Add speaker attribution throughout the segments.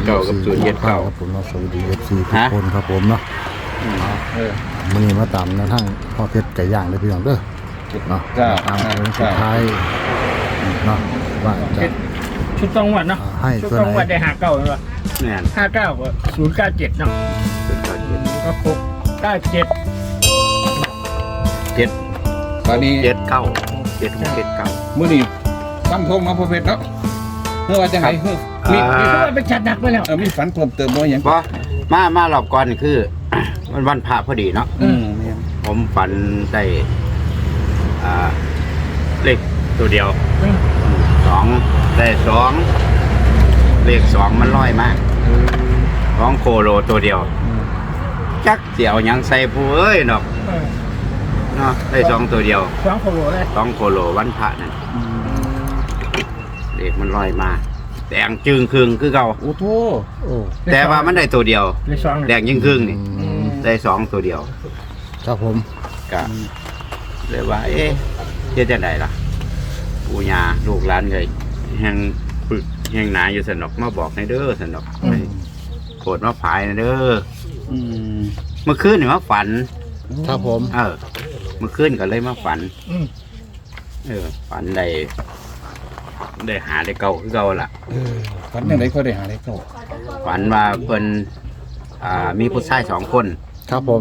Speaker 1: เก้ากับศูนย์เจ็ดเก้า
Speaker 2: ครับผมสวัสดีFC ทุกคนครับผมเนาะมื้อนี้มาตามในทางพ่อเพชรไก่ย่างได้พี่น้องเด้อเนาะตามเป็นสุดท้ายเนาะว่าจะ
Speaker 3: ชุดจังหวัดเนาะ
Speaker 2: ให้
Speaker 3: ชุด
Speaker 2: ตัว
Speaker 3: จังห
Speaker 2: ไห
Speaker 3: วัด
Speaker 2: น
Speaker 3: ได้59ใช่ป่ะ
Speaker 1: แม่น
Speaker 3: 59ก็097เนาะ
Speaker 1: ศูนย์เก้าเจ็ด
Speaker 3: ก็ครบ97
Speaker 1: เจ็ด
Speaker 4: ตอนนี้
Speaker 1: เจ็ดเก้าเจ็ดเจ็ดเก้า
Speaker 4: มื้อนี้ตั้งทงมาพอเพชรเนาะเมื่อว่าจะไหนเฮ้ยมี
Speaker 3: มีคนไปจัดหนักไปแล้ว
Speaker 4: มีฝันเพิ่มเติมบ่อย่าง
Speaker 1: เพราะมารอบก่อนนี่คือ มันวันพระพอดีเนาะผมฝันได้เลขตัวเดียวสองได้สองเลขสองมันลอยมากร้องโคโลตัวเดียวจักเสี่ยวยังใส่ผู้เอ้ยเนาะเนาะได้สองตัวเดียว
Speaker 3: 2โคโลเลย
Speaker 1: สองโคโลวันพระนั่นเลขมันลอยมาแดงจึงครึ่งคือเก่า
Speaker 4: โอ้โห
Speaker 2: โอ้
Speaker 1: แต่ว่ามันได้ตัวเดียว
Speaker 3: เลย2
Speaker 1: แดงยิ่งครึ่งนี่ได้สองตัวเดียว
Speaker 2: ครับผม
Speaker 1: ก็เลยว่า เอ๊ะเฮ็ดจังไดล่ะปู่ย่าลูกหลานเลยแห่งปึกแห่งหนาอยู่สนอกมาบอกในเด้อสนอกโปรดมาผายในเด้อเมื่อคืนนี่มาฝัน
Speaker 2: ครับผม
Speaker 1: เมื่อคืนก็เลยมาฝัน ฝันได้หาได้เก่าคือเก่าล่ะ
Speaker 4: ฝันยังไงก็ได้หาได้เข้า
Speaker 1: ฝันว่าเพิ่นมีผู้ชายสองคน
Speaker 2: ครับผม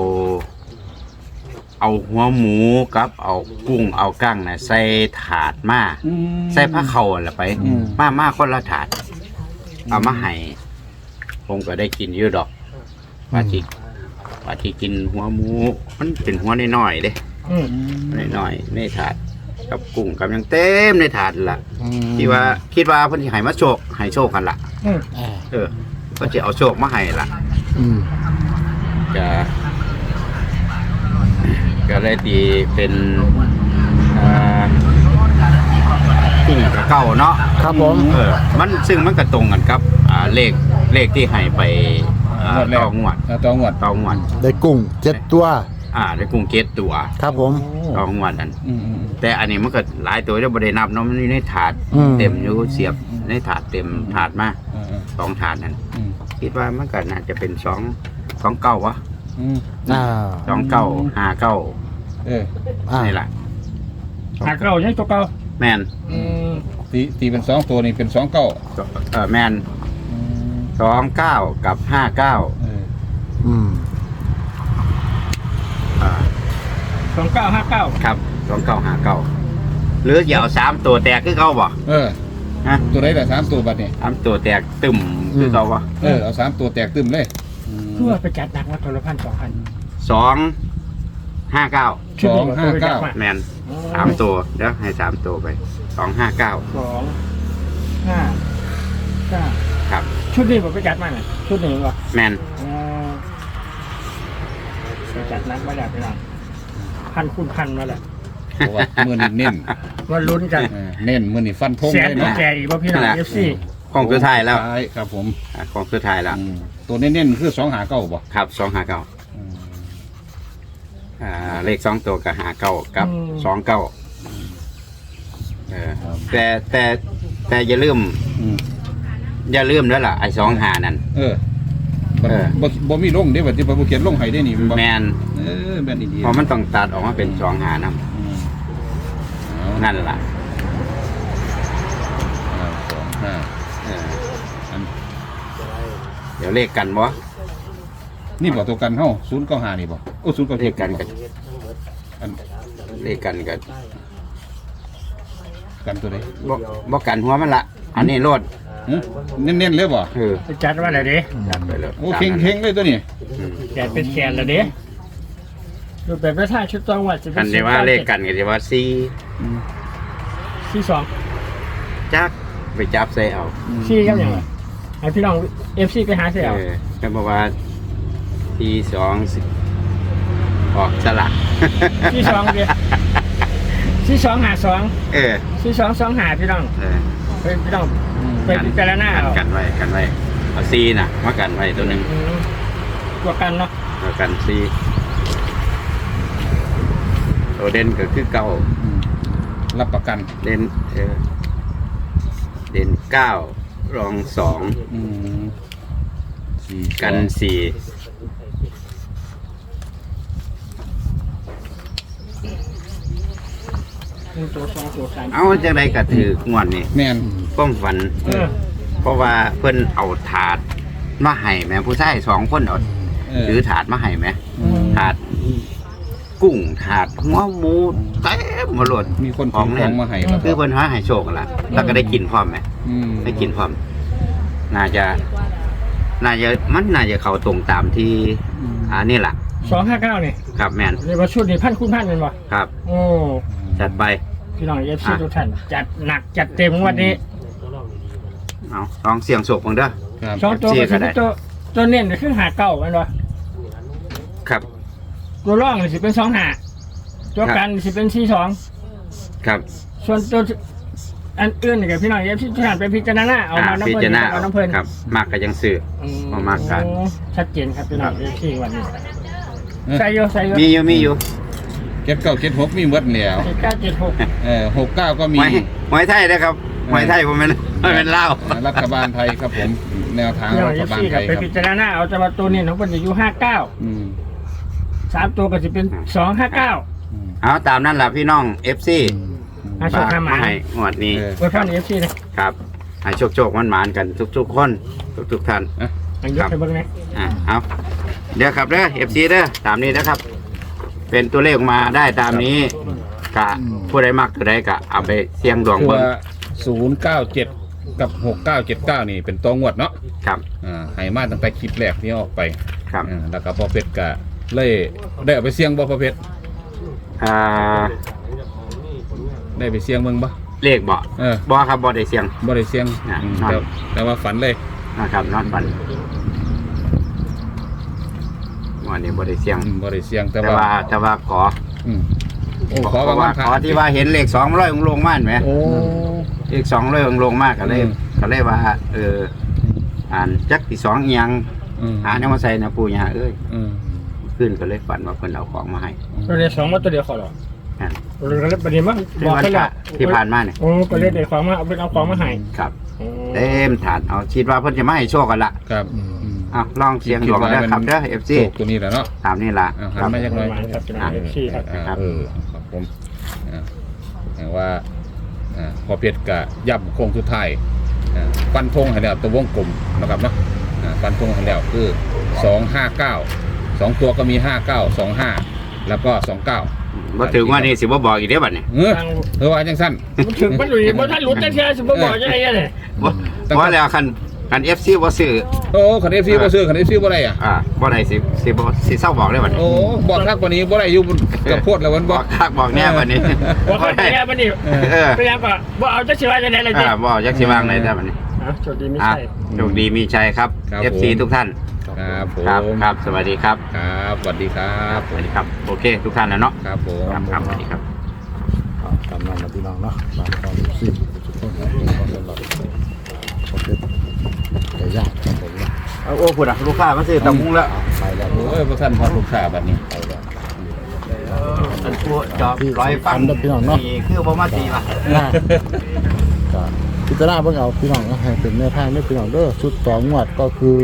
Speaker 1: เอาหัวหมูกับเอากุ้งเอากั้งน่ะใส่ถาดมาใส่ผ้าเข่าอะไรไปมาคนละถาดเอามาให้ผมก็ได้กินอยู่ดอกว่าที่กินหัวหมูมันเป็นหัวน้อยๆเด้น้อยๆในถาดกับกุ้งกับยังเต็มในถาดล่ะคิดว่าเพิ่นสิให้มาให้โชคกันล่ะก็จะเอาโชคมาให้ล่ะก็เลยตีเป็นกุ้งกับเก้าเนาะ
Speaker 2: ครับผม
Speaker 1: มันซึ่งมันก็ตรงกันครับเลขที่ให้ไปต่องวด
Speaker 4: ต่องวด
Speaker 2: ได้กุ้ง7ตัว
Speaker 1: ได้กุ้งเกตตัว
Speaker 2: ครับผม
Speaker 1: ต่องวดนั่นแต่อันนี้มันก็หลายตัวแล้วบ่ได้นับเนาะมันอยู่ในถาด
Speaker 2: อืม
Speaker 1: เต็มอยู่เสียบในถาดเต็มถาดมาสองถาดนั่นคิดว่ามันก็น่าจะเป็นสองเก้าวะ สองเก้าห้าเก้านี่แหละ
Speaker 3: 59ยังตัวเก่า
Speaker 1: แมน
Speaker 4: ตีเป็น2ตัวนี่เป็น2 9
Speaker 1: แมน29กับ59
Speaker 3: 2959
Speaker 1: ครับ2959หรืออย่าเอา3ตัวแตกคือเขาบ่ฮะ
Speaker 4: ตัวไหนล่ะ3ตัวบัดนี่
Speaker 1: 3ตัวแตกตึมคือเขาบ่
Speaker 4: เอา3ตัวแตกตึมเลย
Speaker 3: เพื่อไปจัดหนักมาตัวละ1,000
Speaker 1: 259
Speaker 3: ชุดนี้ก็ไปจัดมา
Speaker 1: แมน3ตัวเดี๋ยวให้3ตัวไป259
Speaker 3: 2 5 9
Speaker 1: ครับ
Speaker 3: ชุดนี้ผมไปจัดมาน่ะชุดนี้บ่
Speaker 1: แมน
Speaker 3: ไปจัดหนักมาแล้วพี่น้องพันคูณพันมาแล้ว
Speaker 4: เพราะว่ามื้อนี้เน้น
Speaker 3: มาลุ้นกัน
Speaker 4: เน้นมื้อนี้ฟันธง
Speaker 3: แสน
Speaker 4: เลย
Speaker 3: กว่า
Speaker 4: เนาะ
Speaker 3: แก่อีกว่าพี่น้อง FC
Speaker 1: ของสุดท้ายแล้ว
Speaker 4: ครับผม
Speaker 1: ของสุดท้ายแล้ว
Speaker 4: ตัวเน้นๆคือ2หา9บ่
Speaker 1: ครับ259เลข2ตัวกับ59กับ29แต่อย่าลืมแล้วล่ะไอ้25นั่น
Speaker 4: บ่มีลงเด้บัดนี้บ่เขียนลงให้ได้นี่
Speaker 1: แมน
Speaker 4: แม่นดีๆ
Speaker 1: เพราะมันต้องตัดออกมาเป็น25นำนั่นล่ะ เดี๋ยวเลขกันบ่
Speaker 4: นี่บ่ตัวกันเฮา095นี่บ่โอ้097
Speaker 1: เลขกันกันเลขกันกัน
Speaker 4: กันตัวใด
Speaker 1: บ่กันหัวมันละอันนี้โลด
Speaker 4: เน้นๆเลยบ่
Speaker 3: ไปจัดว่าอะไรเด้
Speaker 1: จัดไปเลย
Speaker 4: โอ้เข่งๆเลยตัวนี้
Speaker 3: แกเป็นแกนแล้วเด้ดูแบบประธานชุดจังหวัดจะเป็
Speaker 1: กัน
Speaker 3: น
Speaker 1: ที่ว่าเลขกันก็สิว่า
Speaker 3: ที่2
Speaker 1: 4จักไปจับใส่เอา
Speaker 3: ที่ครับอย่างไรไอพี่น้อง FC ไปหาเสียเอา
Speaker 1: ก็บอกว่าที่2สิออกสลัก
Speaker 3: ที่2เด้ที่2หา2ที่2 2หาพี่น้องเป็นพี่น้องไปพิจารณาเอา
Speaker 1: กันไว้เอาซีน่ะมากันไว้ตัวหนึง
Speaker 3: ตัวกันเนาะ
Speaker 1: เอากันซีตัวเด่นก็คือเก้า
Speaker 4: รับประกัน
Speaker 1: เด่น9รอง2 กันสี่
Speaker 3: ตัวสองตัวสาม
Speaker 1: เอาจังไดก็ถืองวดนี่
Speaker 4: แม่น
Speaker 1: ความฝัน เพราะว่าเพิ่นเอาถาดมาให้แม่ผู้ชาย2คนเอาถือถาดมาให้แม่ถาดกุ้งถาดหัวหมูเต็มหมดเลย
Speaker 4: มีคน
Speaker 1: ของ
Speaker 4: ข
Speaker 1: เล่
Speaker 4: อน งมาให้ครับ
Speaker 1: คือเพิ่นหาให้โชคกันล่ะแล้วก็ได้กินพร้อมไหมได้กินพร้อม น่าจะมันน่าจะเข้าตรงตามที่นี่ล่ะ
Speaker 3: 259นี่
Speaker 1: ครับแม่น
Speaker 3: เรียกว่าชุดนี้พันคูณพันเป็นบ่
Speaker 1: ครับ
Speaker 3: โอ้
Speaker 1: จัดไป
Speaker 3: พี่น้องเอฟซีทุกท่านจัดหนักจัดเต็มวันนี้
Speaker 1: เอาลองเสี่ยงโชคเบิ่งเด้อ
Speaker 4: ครับ
Speaker 3: สองตัวก็สิเป็นตัวเน้นก็คือ59แม่นบ่
Speaker 1: ครับ
Speaker 3: ตัวร่องนี่สิเป็น25ตัวกันสิเป็น42
Speaker 1: ครับ
Speaker 3: ส่วนตัวอันอื่นนี่ก็พี่น้องเอฟซีทุกท่านไปพิจารณาเอามาน้ำ
Speaker 1: พิ
Speaker 3: เพิ่น
Speaker 1: จารณา
Speaker 3: เอาน้ำเพิ่น
Speaker 1: ครับมากก็ยังซื้อ เอามากกัน
Speaker 3: ชัดเจนครับพี่น้องเอฟซีวันนี้ใส่โย
Speaker 1: มีอยู่
Speaker 4: 7976มีหมดแล้ว
Speaker 3: 976
Speaker 4: 69ก็มี
Speaker 1: หอยไทยนะครับหอยไทยผมเป็นเหล้า
Speaker 4: รัฐบาลไทยครับผมแนวทาง
Speaker 3: พี่น้อง
Speaker 4: รั
Speaker 3: เอ
Speaker 4: ฐ
Speaker 3: ฟ
Speaker 4: บาล
Speaker 3: ซี
Speaker 4: ไท
Speaker 3: กับ
Speaker 4: ย
Speaker 3: ไป
Speaker 4: ครับ
Speaker 3: พิจารณาเอาแต่ว่าตัวนี้ของเพิ่นจะอยู่59
Speaker 4: อืม
Speaker 3: 3ตัวก็สิเป็น259
Speaker 1: เอาตามนั้นแหละพี่น้อง FC
Speaker 3: อาโชคหมา
Speaker 1: ให้งวดนี้
Speaker 3: ไว้ฟังเอฟซีนะครับ
Speaker 1: ให้โชคมันหมานๆกันทุกๆคนทุกท่าน
Speaker 3: อันยกไปเบิ่งนะ
Speaker 1: เอาเดี๋ยวครับเด้อ FC เด้อตามนี้นะครับ เป็นตัวเลขออกมาได้ตามนี้กะผู้ใดมักตัวใดกะเอาไปเสี่ยงดวง
Speaker 4: คือ
Speaker 1: เบิ่ง
Speaker 4: ว่า097กับ6979นี่เป็นตัวงวดเนาะ
Speaker 1: ครับ
Speaker 4: ให้มาตั้งแต่คลิปแรกที่ออกไป
Speaker 1: ครับ
Speaker 4: แล้วก็พอเพชรก็เลยได้เอาไปเสี่ยงบ่พอเพชร
Speaker 1: อ่า
Speaker 4: ได้ไปเสี่ยงเบิ่งบ่
Speaker 1: เลขบ่ บ่ครับบ่ได้เสี่ยง
Speaker 4: บ่ได้เสี่ยง แต่ว่าฝันเลย
Speaker 1: นะครับนอนฝันวันนี้บ่ได้เสี่ยง
Speaker 4: บ่ได้เสี่ยงแต่
Speaker 1: แต่
Speaker 4: ว่า
Speaker 1: ว่าขอ
Speaker 4: โอ้ขอบางวัน
Speaker 1: ขอที่ว่าเห็นเลข200องค์ลงมาเห็นไหม
Speaker 4: โอ้
Speaker 1: เลข200องค์ลงมากก็เลยว่าอ่านจักที่2อีหยังหาแนวมาใส่นะปู่ย่าเอ้ยขึ้นก็เลยฝันว่าเพิ่นเอาของมาให้
Speaker 3: ตัวเดียว2มาตัวเดียวขอหรอตัวเดียวก็เลยประเดี๋ยวมาบอกกันแล้ว
Speaker 1: ที่ผ่านมาเนี่ย
Speaker 3: โอ้ก็เลยได้ของมาเอาเป็นเอาของมาให้
Speaker 1: ครับเต็มถาดเอาคิดว่าเพิ่นจะมาให้โชคกันละ
Speaker 4: ครับ
Speaker 1: เอาลองเสียงดวงเด้อครับเด้อ FC
Speaker 4: โชคตัวนี้แหละเนาะ
Speaker 1: ตามนี้ล่ะ
Speaker 4: หันมาจักหน่อย
Speaker 3: ครับพี่น้องเอฟซีครับ
Speaker 4: ครับผมว่าพอเพชรก็ย่ำโค้งสุดท้ายฟันธงให้แล้วตัววงกลมนะครับเนาะฟันธงให้แล้วคือ259 2ตัวก็มี5925แล้วก็29
Speaker 1: บ่ถึงว่านี่สิบ่บอกอีกเด้อบัดนี้
Speaker 4: เออว่าจังสั้น
Speaker 3: ถึงมันหลุยบ่ท่านหลุดแต่เชื่อสิบ่บอกยังไงเนี่ย
Speaker 1: บ่แล้วคัน FC บ่ซื้อ
Speaker 4: โอ้คัน FC บ่ซื้อคัน FC บ่ได้อ่ะ
Speaker 1: บ่ได้สิเศร้าบอกได้บัดนี้
Speaker 4: โอ้บอกทักกว่านี้บ่ได้อยู่กับโพดแล้วมัน
Speaker 1: บบ อ
Speaker 4: อก
Speaker 1: คักบอกแน่บัดนี้
Speaker 3: บอกคนแน่บัดนี้พยายามก็บ่เอาจักสิว่าจังได๋ล่ะจิ
Speaker 1: บ่จักสิวางไหนได้บัดนี้
Speaker 3: โชคดีมีชัย
Speaker 1: โชคดีมีชัยครับ FC ทุกท่าน
Speaker 4: ครับผม
Speaker 1: ครับสวัสดีครับ
Speaker 4: ครับสวัสดีครับ
Speaker 1: สวัสดีครับโอเคทุกท่านนะเนาะ
Speaker 4: ครับผม
Speaker 1: ครับสวัสดีครับ
Speaker 2: ตามนั้นนะพี่น้องเนาะตามความรู้สึกทุกคนครับผมสำหรับโอเคไก่ย่างครับผมนะ
Speaker 1: โอ้พูดอ่ะลูกค้ามาซื้อตำมุงแล้ว
Speaker 2: ไปแล้ว
Speaker 4: โอ้ยพระท่านพระลูกค้าบัดนี้
Speaker 2: ไปแล้ว
Speaker 1: ท่านผู้จอบร้อยฟังนี่คือบ่มาตีป่ะ
Speaker 2: ก็พิจารณาเบิ่งเอาพี่น้องนะให้เป็นแนวทางด้วยพี่น้องเด้อชุดต่องวดก็คือ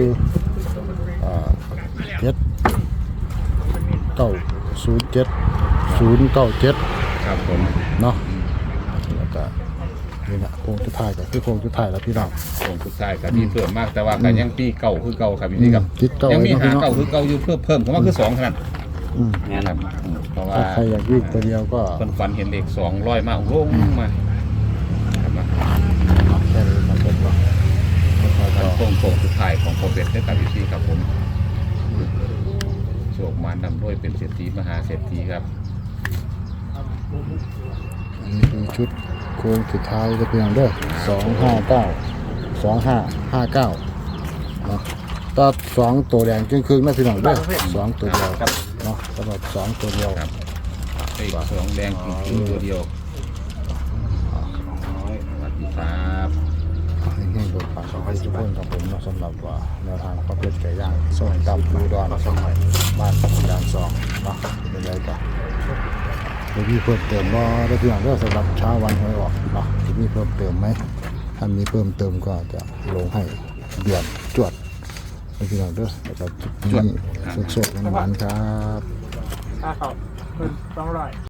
Speaker 2: 7907097
Speaker 4: ครับผม
Speaker 2: เนาะแล้วก็นี่นะโค้งสุดท้ายก็คือโค้งสุดท้ายแล้วพี่น้อง
Speaker 4: ผมสุดท้ายก็มีเพิ่มมากแต่ว่าก็ยังปีเก่าคือเก่าครับพี่ครับ
Speaker 2: ติดเก่า
Speaker 4: ยังมี
Speaker 2: ไว้
Speaker 4: หา
Speaker 2: เนาะ
Speaker 4: เก่าคือเก่าอยู่เพิ่มเข้ามาคือ2ขนาด
Speaker 1: เนี่ยครับ
Speaker 4: เพราะว่า
Speaker 2: ถ้าใครอยากวิ่งตัวเดียวก็
Speaker 4: เพิ่นฝันเห็นเลข200มาลงมาครับนะ
Speaker 2: แค่นี้ครับผมว่าแล้วก็
Speaker 4: โค้งสุดท้ายของโปรเฟสได้กับพี่ครับผมโชคมานำด้วยเป็นเศรษฐีมหาเศรษฐีครับ
Speaker 2: อันนี้คือชุดโค้งสุดท้ายจะเป็นอย่างเด้อ259เนาะตัด2ตัวแดงครึ่งๆนะพี่น้องเด้อ2ตัวเดียวเนาะสำหรับ2ตัวเดียว
Speaker 4: ครับไอ้สองแดงคือตัวเดียวสวัสดีครับ
Speaker 2: ให้โดนปากของทุกคนครับผมเนาะสำหรับว่าแนวทางประเภทไก่ย่างส้มตำปูดอนสมัยบ้านด่าน2เนาะเป็นไรกันจะมีเพิ่มเติมว่าได้พี่น้องเด้อสำหรับเช้าวันหวยออกเนาะจะมีเพิ่มเติมไหมถ้ามีเพิ่มเติมก็จะลงให้เดือนจวดพี่น้องเด้อแล้วก็จุดนี้สดๆหวานๆครับ
Speaker 3: ค่าเขา200